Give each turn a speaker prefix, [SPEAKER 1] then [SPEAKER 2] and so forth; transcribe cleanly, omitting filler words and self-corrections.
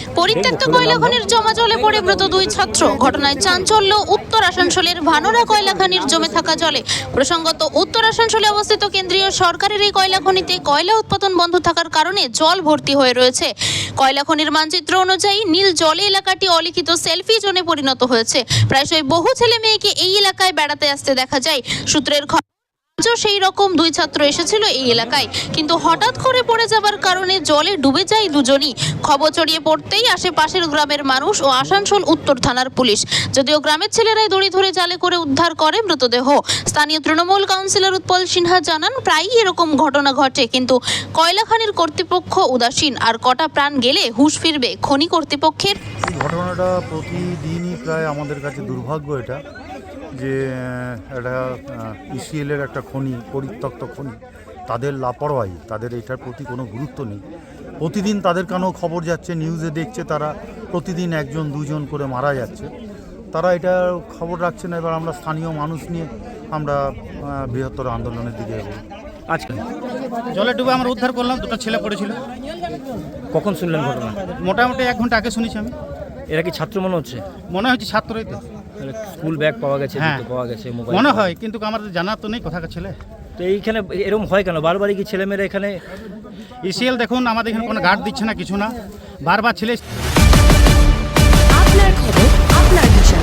[SPEAKER 1] পরিত্যক্ত কয়লা খনির জমা জলে পড়ে মৃত দুই ছাত্র। ঘটনায় চাঞ্চল্য উত্তর আসানসোলের ভানোরা কয়লা খনির জমে থাকা জলে। প্রসঙ্গত, উত্তর আসানসোলে অবস্থিত কেন্দ্রীয় সরকারের এই কয়লা খনিতে কয়লা উৎপাদন বন্ধ থাকার কারণে জল ভর্তি হয়ে রয়েছে। কয়লা খনির মানচিত্র অনুযায়ী নীল জলে এলাকাটি অলিখিত সেলফি জোনে পরিণত হয়েছে। প্রায়শই বহু ছেলে মেয়েকে এই এলাকায় বেড়াতে আসতে দেখা যায়। সূত্রের সেই রকম দুই ছাত্র এসেছিল এই এলাকায়, কিন্তু হঠাৎ করে পড়ে যাবার কারণে জলে ডুবে যায় দুজনই। খবর ছড়িয়ে পড়তেই আশেপাশের গ্রামের মানুষ ও আসানসোল উত্তর থানার পুলিশ। যদিও গ্রামের ছেলেরাই দড়ি ধরে জালে করে উদ্ধার করে মৃতদেহ। স্থানীয় তৃণমূল কাউন্সিলর উৎপল সিনহা জানান, প্রায়ই এরকম ঘটনা ঘটে, কিন্তু কয়লা খনির কর্তৃপক্ষ উদাসীন। আর কটা প্রাণ গেলে হুঁশ ফিরবে খনি কর্তৃপক্ষের?
[SPEAKER 2] ঘটনাটা প্রতিদিনই প্রায় আমাদের কাছে দুর্ভাগ্য এটা, যে একটা ইসিএলের একটা খনি, পরিত্যক্ত খনি, তাদের লাপরওয়াহি, তাদের এটার প্রতি কোনো গুরুত্ব নেই। প্রতিদিন তাদের কানেও খবর যাচ্ছে, নিউজে দেখছে, তারা প্রতিদিন একজন দুজন করে মারা যাচ্ছে, তারা এটা খবর রাখছে না। এবার আমরা স্থানীয় মানুষ নিয়ে আমরা বৃহত্তর আন্দোলনের দিকে এগোবো।
[SPEAKER 3] আজকে
[SPEAKER 4] জলে ডুবে আমরা উদ্ধার করলাম, দুটো ছেলে পড়েছিল।
[SPEAKER 3] কখন শুনলেন ঘটনা?
[SPEAKER 4] মোটামুটি 1 ঘন্টা আগে শুনেছি আমি।
[SPEAKER 3] এরা কি ছাত্র মনে হচ্ছে?
[SPEAKER 4] মনে হচ্ছে ছাত্রই তো।
[SPEAKER 3] স্কুল ব্যাগ পাওয়া গেছে,
[SPEAKER 4] হ্যাঁ,
[SPEAKER 3] জুতো পাওয়া গেছে, মোবাইল
[SPEAKER 4] মনে হয়, কিন্তু আমাদের জানা তো নেই কোথাকার ছেলে।
[SPEAKER 3] তো এইখানে এরকম হয় কেন? বারবারই কি ছেলেমেয়েরা এখানে?
[SPEAKER 4] ইসিএল দেখুন, আমাদের এখানে কোনো গার্ড দিচ্ছে না, কিছু না, বারবার ছেলে।
[SPEAKER 5] আপনার খবর, আপনার ভাষা।